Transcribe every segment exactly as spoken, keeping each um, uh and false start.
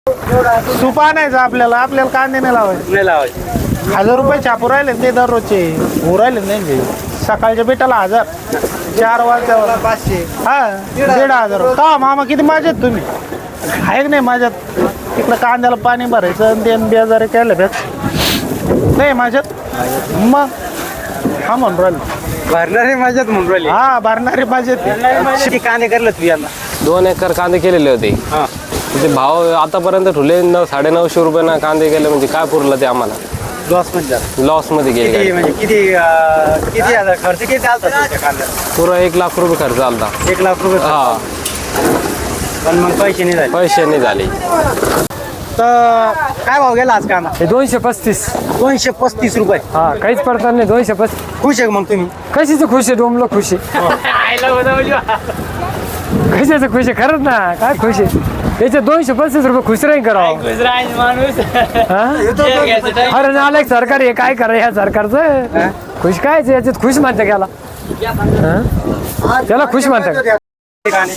सुपा आणायचं आपल्याला आपल्याला कांदे नाही लावायचे नाही लावायचे. हजार रुपये छापू राहिले ते दररोजचे हो राहिले नाही सकाळच्या बेटाला हजार चार वाजता पाचशे हा दीड हजार का मामा किती माझ्यात तुम्ही आहे की नाही माझ्यात तिकडं कांद्याला पाणी भरायचं आणि ते बेजारे केलं बेच नाही माझ्यात मग हा म्हणून राहिले भरणारे माझ्यात म्हणून राहिले. हा भरणारे माझ्यात किती कांदे करलं तू यंदा? दोन एकर कांदे केलेले होते. हा ते भाव आतापर्यंत ठुले नऊ साडे नऊशे रुपयाना कांदे गेले म्हणजे काय पुरलं ते आम्हाला लॉस मध्ये लॉस मध्ये किती गेले. म्हणजे किती अं, किती हजार खर्च किती चालतात तुमच्या कांद्याला? पुरा एक लाख रुपये खर्च आलता. एक लाख रुपये खर्च. हा पण मग पैसे नाही झाले. पैसे नाही झाले. तर काय भाव गेला आज कांदा? हे दोनशे पस्तीस दोनशे पस्तीस रुपये. हा काहीच पडतात नाही दोनशे पस्तीस. खुश आहे मग तुम्ही? कशीच खुश आहे डोमलं खुश आहे कशाचं खुश आहे खरंच ना काय खुश आहे त्याचे दोनशे पस्तीस रुपये खुश राहील करावं अरे नालायक सरकार हे काय करा या सरकारचं खुश काय याच्यात खुश म्हणते गेला त्याला खुश म्हणते कांदे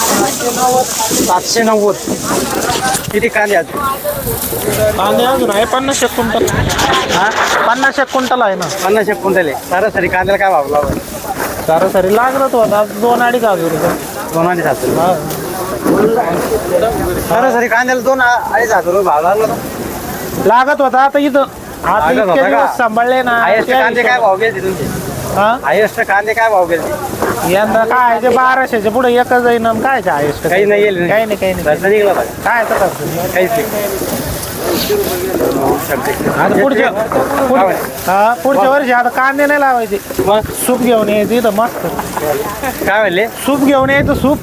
सातशे नव्वद. किती कांदे आज? कांदे अजून आहे पन्नास एक क्विंटल हा पन्नास एक क्विंटल आहे ना पन्नास एक क्विंटल आहे. सरासरी कांद्याला काय भाव लावला? सरासरी लागत होता दोन अडीच हजार रुपये दोन अडीच हजार. हा. सरासरी कांद्याला दोन अडीच हजार रुपये भाव लागला. लागत होता आता इथं आता लागत इतके होता का? दिवस सांभाळले ना हायेस्ट त्या कांदे काय भाव गेले तुमचे? हा हायेस्ट कांदे काय भाव गेले? यंदा काय ते बाराशेच्या पुढे एकच जाईन आणि काय ते हायस्ट काही नाही गेले. काही नाही काही नाही खर्च निघला पाहिजे. काय तर करतो काहीच नाही. आता पुढच्या पुढ- हा पुढच्या वर्षी आता कांदे नाही लावायचे मग सूप घेऊन यायचं इथं मस्त काय म्हणले? सूप घेऊन यायचं सूप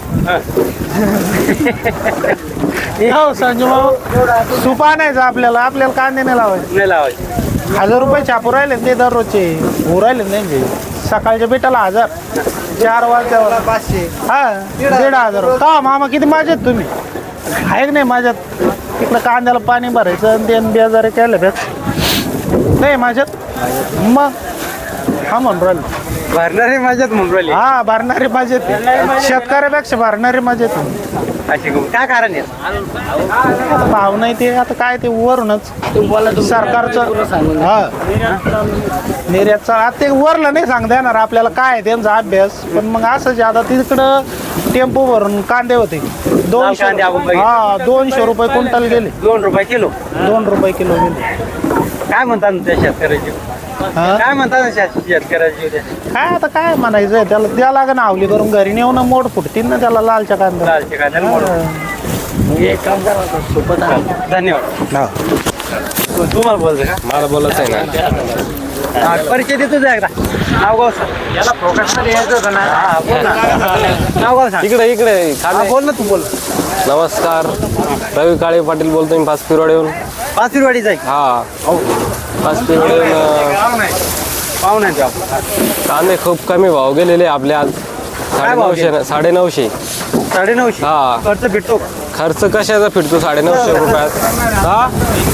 हो संजू भाऊ सूप आणायचं आपल्याला आपल्याला कांदे नाही लावायचे नाही लावायचे. हजार रुपये छापू राहिले ते दररोजचे हो राहिले नाही सकाळच्या बेटाला हजार चार वाजता पाचशे हा दीड हजार का मामा किती माझ्यात तुम्ही आहे की नाही माझ्यात तिकडं कांद्याला पाणी भरायचं आणि ते बेजारे केलं बेच नाही माझ्यात मग हा म्हणून राहिले भरणारे माझ्यात म्हणून राहिले. हा भरणारे माझ्यात शेतकऱ्यापेक्षा भरणारे माझ्यात अशी गंमत. काय कारण आहे? भाव नाही ते आता काय ते वरूनच सरकारचं हा निर्यातचं आता ते वरलं नाही सांगता येणार आपल्याला काय आहे त्यांचा अभ्यास पण मग असंच आता तिकडं टेम्पो भरून कांदे होते दोनशे कांदे आपण बघितले. हा दोनशे रुपये क्विंटल गेले दोन रुपये किलो. दोन रुपये किलो गेले काय म्हणतात ना त्या शेतकऱ्याची? हा काय म्हणतात ना शेत- शेतकऱ्याची उद्या? काय आता काय म्हणायचं त्याला द्या लागेल आवली करून घरी नेऊन मोड फुटतील ना त्याला लालच्या कांदा लालचे कांद्याला मोडून. एक काम करा सोपं झालं. धन्यवाद. तुम्हाला बोलतो का? मला बोलायचं आहे ना. हा, परिचय देतो जा एकदा. नाव गाव सांग. याला फोकसमध्ये यायचं होतं ना. हा, बोल ना. नाव गाव सांग. इकडे इकडे हा, कांदे. बोल ना तू बोल. नमस्कार रवी काळे पाटील बोलतोय मी पाच पिरवाडीहून. पाचवीवाडीचा आहे. हा पाच पिरवाडीहून अं, पाहुणा आहे तो आपला. कांदे खूप कमी भाव गेलेले आपले आज साडे भाव नऊशे साडे नऊशे साडे नऊशे. हा. खर्च भेटतो का? खर्च कशाचा फिरतो साडे नऊशे रुपयात हा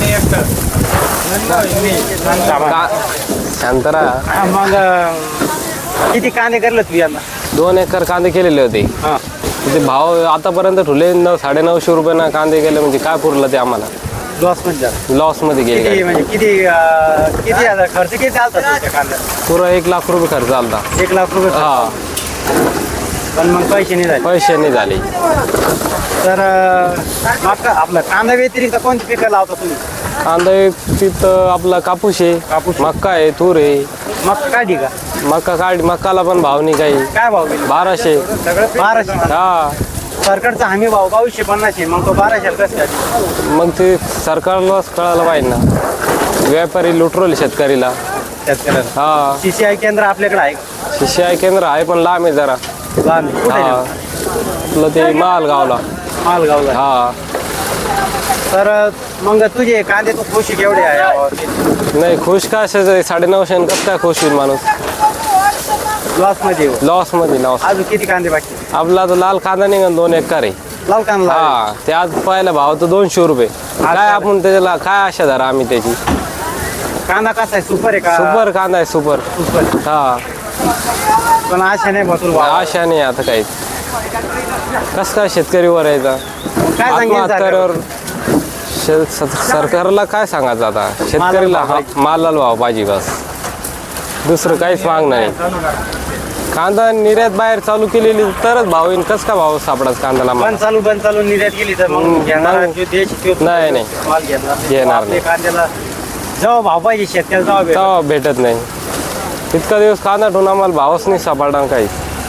का शांतरा हा, मग अं, किती कांदे करलं तू यंदा? दोन एकर कांदे केलेले होते. हा ते भाव आतापर्यंत ठुले नऊ साडे नऊशे रुपयाना कांदे गेले म्हणजे काय पुरलं ते आम्हाला लॉस मध्ये झाला. लॉस मध्ये किती गेले. म्हणजे किती अं, किती हजार खर्च किती चालतात तुमच्या कांद्याला? पुरा एक लाख रुपये खर्च आलता. एक लाख रुपये खर्च. हा पण मग पैसे नाही झाले. पैसे नाही झाले. तर अं, मका आपलं कांदा व्यतिरिक्त कोणती पिकं लावता तुम्ही? कांदा तिथं आपला कापूस आहे कापूस. मक्का आहे तूर आहे. मका काढी का? मक्का काढ मक्काला पण भाव नाही काही काय भाव गेले? बाराशे सगळं बाराशे. हा सरकारचा हमी भाव बावीसशे पन्नास आहे. मग तो बाराशे कसं काय? मग ते सरकारलाच कळायला पाहिजे ना व्यापारी लुटरोल शेतकरीला. शेतकऱ्याला हा सीसीआय केंद्र आपल्याकडे आहे का? शिष्य केंद्र आहे पण लांब आहे जरा. लहान आहे. कुठे हा आहे? आपलं ते मालगावला. मालगावला. हा तर मग तुझे कांदे तू खुशी केवढे आहे या भावाचे? नाही खुश का असायचं साडे नऊशे कसं काय खुश होईल माणूस लॉस मध्ये येऊ. लॉस मध्ये लॉस. अजून किती कांदे बाकी? आपला तो लाल कांदा निघन दोन एकर आहे. लाल कांदा लावला. हा ते आज पहिला भाव तो दोनशे रुपये काय आपण त्याच्याला काय आशा धरा आम्ही त्याची. कांदा कसा आहे? सुपर आहे का? सुपर कांदा आहे सुपर. सुपर. हा पण आशा नाही भरपूर भाव. आशा नाही आता काहीच. कस काय शेतकरी वर यायचा काय सांगेल सरकार? आत्महत्यावर शेत स- सरकारला काय सांगायचं आता शेतकऱ्याला हा- मालाला भाव पाहिजे बस, दुसरं काहीच मागणं नाही. कांदा निर्यात बाहेर चालू केलेली तरच भाव येईल. कस का भाव सापडाच कांद्याला बंद माल? चालू बंद चालू निर्यात केली तर मग घेणारा जो देश तो नाही, नाही. माल घेणार घेणार आपल्या नाही. कांद्याला जेव्हा भाव पाहिजे शेतकऱ्याला तेव्हा भेटेल. तेव्हा भेटत नाही. इतका दिवस कांदा ठेवून आम्हाला भावच नाही सापडणार काही.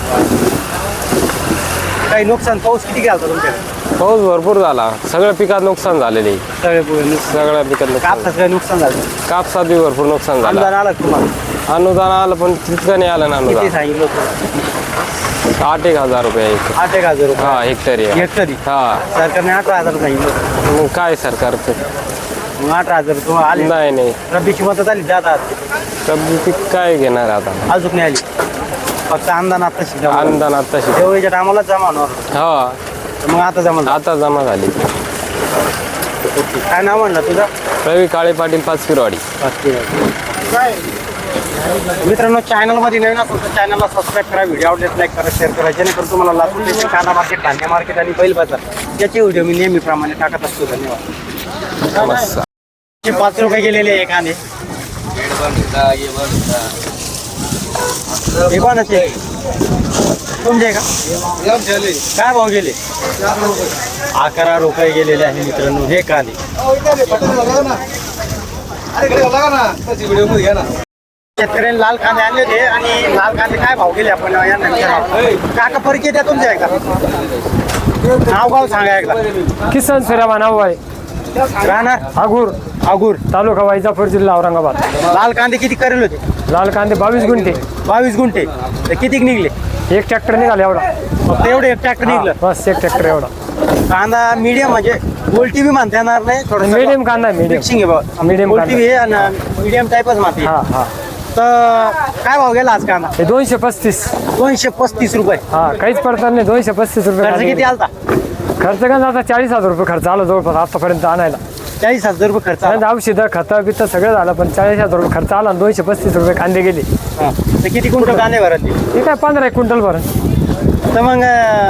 काही नुकसान पाऊस किती घालतो तुमच्याकडे? पाऊस भरपूर झाला, सगळ्या पिकात नुकसान झालेले. सगळे पुढे नुकसान सगळ्या पिकात नुकसान. कापसाचं काही नुकसान झालं कापसात बी भरपूर नुकसान झालं. अनुदान आलं का तुम्हाला? अनुदान आलं पण तितकं नाही आलं ना किती अनुदान. सांगितलं होतं? आठ एक हजार रुपये एक आठ एक हजार रुपये हा हेक्टरी आहे. हेक्टरी हा सरकारने अठरा हजार सांगितलं होतं. मग काय सरकारचं? मग अठरा हजार तुम्हाला आले नाही नाही रब्बीची मदत आली जातात कमी पीक काय घेणार आता? अजून नाही आली फक्त अनुदान आता शिका अनुदान आताशी तेवढ्याच्या टायमाला जमा होणार हा मग आता जमा झालं. आता जमा झाली. काय नाव म्हणलं तुझं? रवी काळे पाटील पाच किरवाडी. मित्रांनो चॅनलमध्ये नवीन असेल तर चॅनलला सबस्क्राईब करा, व्हिडिओ आवडल्यास लाईक करा, शेअर करा, जेणेकरून तुम्हाला लातूर देशील कांदा मार्केट, धान्य मार्केट आणि बैल बाजार याचे व्हिडिओ मी नेहमीप्रमाणे टाकत असतो. धन्यवाद. नमस्कार. हे पाच रुपये गेलेले आहे कांदे. हे कोणाचे तुमचे का? काय भाव गेले? अकरा रुपये गेलेले आहे मित्रांनो हे कांदे. शेतकऱ्यांनी लाल कांदे आणले होते आणि लाल कांदे काय भाव गेले आपण यांना विचारावं. काका परिचय द्या तुमच्या एकदा, नाव गाव सांगा एकदा. किसन सुराबा नाव आहे, राहणार आगूर आगूर, तालुका वैजापूर, जिल्हा औरंगाबाद. लाल कांदे किती करेल होते? लाल कांदे बावीस गुंठे, बावीस गुंठे. तर किती निघले? एक ट्रॅक्टर निघाला एवढा. फक्त एवढे एक ट्रॅक्टर हा, निघलं. बस एक ट्रॅक्टर एवढा. कांदा मीडियम म्हणजे गोल्टी बी म्हणता येणार नाही, थोडं मीडियम कांदा आहे, मीडियम. मिक्सिंग आहे बाबा. Medium गोल्टी कांदा. बी आहे आणि मीडियम टाईपच माती हा आहे. हा तर काय भाव गेला आज कांदा? हे दोनशे पस्तीस. दोनशे पस्तीस रुपये. हा काहीच पडतात नाही, दोनशे पस्तीस रुपये खर्च कांदे. किती आलता? खर्च का आता चाळीस हजार रुपये खर्च आला जवळपास आतापर्यंत आणायला. चाळीस हजार रुपये खर्च आला. औषधं खतं बितं सगळं झालं पण चाळीस हजार रुपये खर्च आला आणि दोनशे पस्तीस रुपये कांदे गेले. हा. तर किती क्विंटल कांदे भरले? हे काय पंधरा एक क्विंटल भरण. तर मग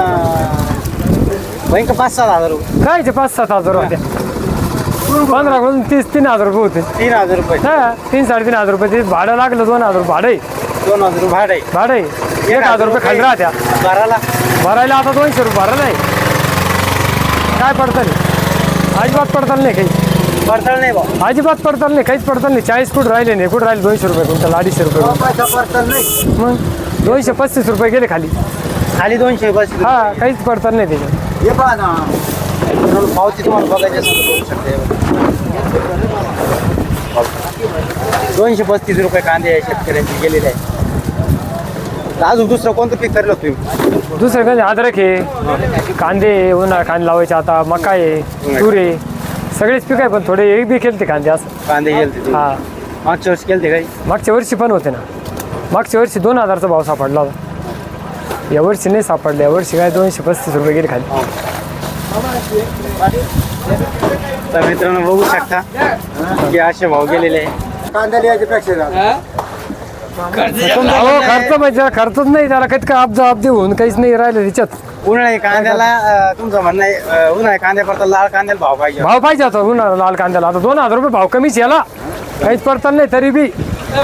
बैंक पाच सात हजार रुपये, काय ते पाच सात हजार होते. पंधरा करून तीस तीन हजार रुपये होते. तीन हजार रुपये, हा तीन साडेतीन हजार रुपये ते भाडं लागलं, दोन हजार रुपये भाडं आहे. दोन हजार रुपये भाडं आहे. भाडं आहे एक हजार रुपये खाली राहत्या भराला. भरायला. आता दोनशे रुपये भरा नाही. काय पडतं नाही, अजिबात पडताल नाही काही. पडताळ नाही भाऊ. अजिबात पडताल नाही, काहीच पडताल नाही. चाळीस फूट राहिले नाही, कुठं राहिले दोनशे रुपये कुंटल, अडीचशे रुपये कुंटल. पडताळ नाही. मग दोनशे पस्तीस रुपये गेले खाली. खाली दोनशे पस्तीस. हा काहीच पडताल नाही त्याच्यात. हे पहा ना पावती तुम्हाला बघायची असेल तर बघू शकते. दोनशे पस्तीस रुपये कांदे आहे शेतकऱ्यांचे गेलेले आहे. तर अजून दुसरं कोणतं पीक करलं तुम्ही? दुसरं काही अद्रक आहे, कांदे आहे, उन्हाळा कांदे लावायचे आता, मका आहे, तूर आहे, सगळेच पीक आहे. पण थोडे एक बी केलते कांदे असं. कांदे गेलते हा मागच्या वर्षी केलते काही? मागच्या वर्षी पण होते ना. मागच्या वर्षी दोन हजारचा भाव सापडला होता. यावर्षी नाही सापडले. यावर्षी काय दोनशे पस्तीस रुपये गेले खाली. तर मित्रांनो बघू शकता की असे भाव गेलेले आहे. कांदा लिहायची पेक्षा अहो खर्च म्हणजे खर्चच नाही त्याला, काही काय अब्जा अब्दी होऊन काहीच नाही राहिलं त्याच्यात. उन्हाळी कांद्याला अं, तुमचं म्हणणं आहे अं, उन्हाळी कांद्यापर्यंत लाल कांद्याला भाव पाहिजे. भाव पाहिजे होता उन्हाळा लाल कांद्याला. आता दोन हजार रुपये भाव कमीच याला, काहीच पडताल नाही तरी बी.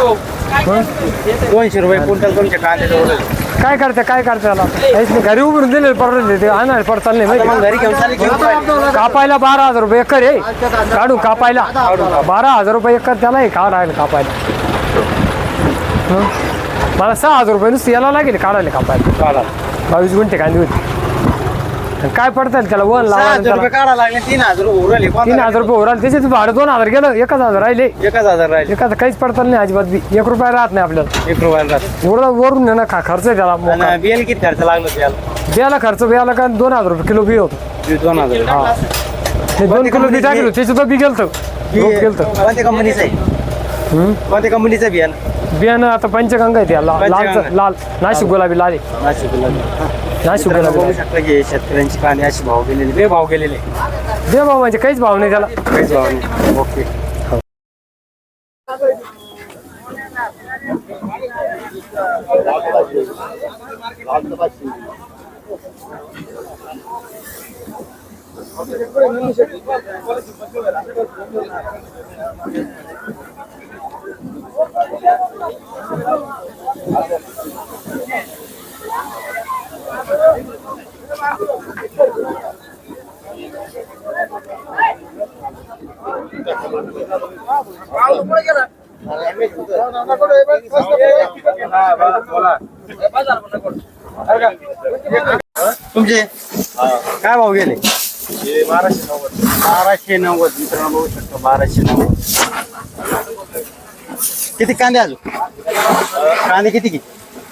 दोनशे रुपये क्विंटल तुमच्या कांद्याचे उडले. काय करते काय करते त्याला, काहीच नाही. घरी उभरून दिले परवडले ते आणायला पडताल नाही मग माहिती. घरी घेऊन चालले घेऊन राहिले. कापायला बारा हजार रुपये एकर आहे, काढू कापायला बारा हजार रुपये एकर त्याला आहे काढायला कापायला. हं? मला सहा हजार रुपये नुसतं याला लागेल काढायला कापायला. चालेल. बावीस गुंठे कांदे होते. आणि काय पडतात त्याला वन सहा हजार लावा. रुपये काढा लागले. तीन हजार रुपये उरले. तीन हजार रुपये उराल त्याच्यात भाडं दोन हजार गेलं, एकच हजार राहिले. एकच हजार राहिले. एखादं काहीच पडतात नाही अजिबात बी. एक रुपया राहत नाही आपल्याला. एक रुपयाला राहते. एवढं वरून ना खा खर्च आहे त्याला मोका. आणि बियाला किती खर्च लागला त्याला? बियाला खर्च बियाला का दोन हजार रुपये किलो बी होतो. दोन हजार. हा ते दोन किलो बी टाकलं त्याचं तर बी गेलं रोप गेलं. कोणत्या कंपनीचं आहे? कोणत्या कंपनीचं बियाणं? बियाणं आता पंचगंगा आहे त्याला, पंचगंगा. लाल लाल नाशिक गुलाबी लाल आहे. नाशिक गुलाबी. नाशिक मित्रांनो, गुलाबी बघू लाल. शकता की शेतकऱ्यांची कांदे अशी भाव गेलेले, बे भाव गेलेले. दे भाव म्हणजे काहीच भाव नाही त्याला. काहीच भाव नाही. ओके. तुमचे काय भाव गेले? बाराशे नव्वद मित्रांनो बघू शकतो बाराशे नव्वद. किती कांदे अजून? कांदे किती किती?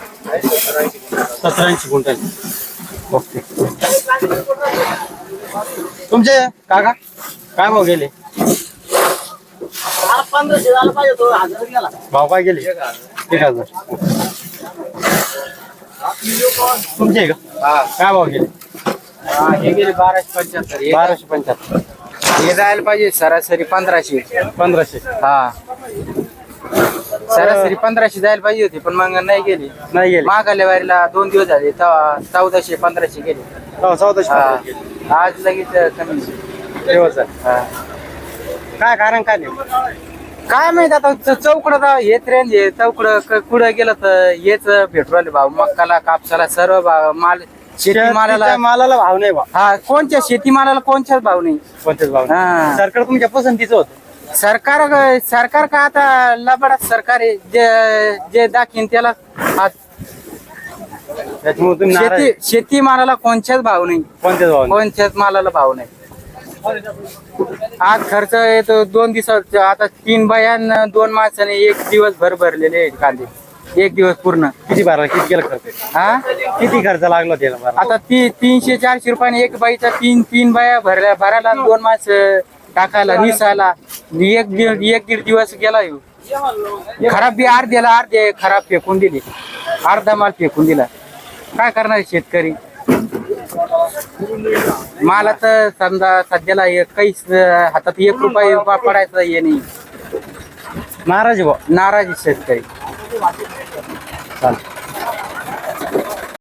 सतरा ऐंशी क्विंटल. ओके. तुमचे काका काय भाव गेले? भाव काय गेले? एक हजार. तुमचे आहे का? काय भाव गेले? हे गेले बाराशे पंच्याहत्तर. बाराशे पंच्याहत्तर. हे जायला पाहिजे सरासरी पंधराशे. पंधराशे. हा सरासरी पंधराशे जायला पाहिजे होती पण मग नाही गेली. नाही गेले. मागाल्या वारीला दोन दिवस झाले तेव्हा चौदाशे पंधराशे गेले. हो, चौदाशे हा. पंधराशे गेले. आज लगेच कमी. दिवस आहे. हा. काय कारण काय नाही? काय माहित आता च- चौकडं जाव हेच रेंज आहे चौकडं क- कुठं गेलं तर हेच भेटू राहिले भाऊ मक्काला कापसाला सर्व भाव माल शेतीमालाला शेतीच्या मालाला भाव नाही बा. हा कोणत्या शेतीमालाला कोणत्याच भाव नाही. कोणतेच भाव नाही. हा. सरकार तुमच्या पसंतीचं होतं. सरकार सरकार का आता लबाडात सरकार आहे जे जे दाखीन त्याला हात. त्याच्यामुळे तुम्ही नाराज शेती आहे. शेतीमालाला कोणत्याच भाव नाही. कोणतेच भाव नाही. कोणत्याच मालाला भाव नाही. आज खर्च येतो दोन दिवसात आता तीन बायान दोन माणसाने एक दिवस भर भरलेले आहेत कांदे. एक दिवस पूर्ण. किती भरला? किती केलं खर्च? हा किती खर्च लागला त्याला भरायला? आता ती तीनशे चारशे रुपयाने एक बाईचा तीन तीन बाया भरल्या भरायला दोन माणसं टाकायला निसायला एक दीड एक दीड दिवस गेला ह्यो. खराब बी अर्ध्याला अर्धे खराब फेकून दिले. अर्धा माल फेकून दिला. काय करणार शेतकरी? मला तर समजा सध्याला एक काहीच हातात एक रुपये पडायचं हे नाही. नाराज आहे भाऊ. नाराज आहे शेतकरी. चालतं.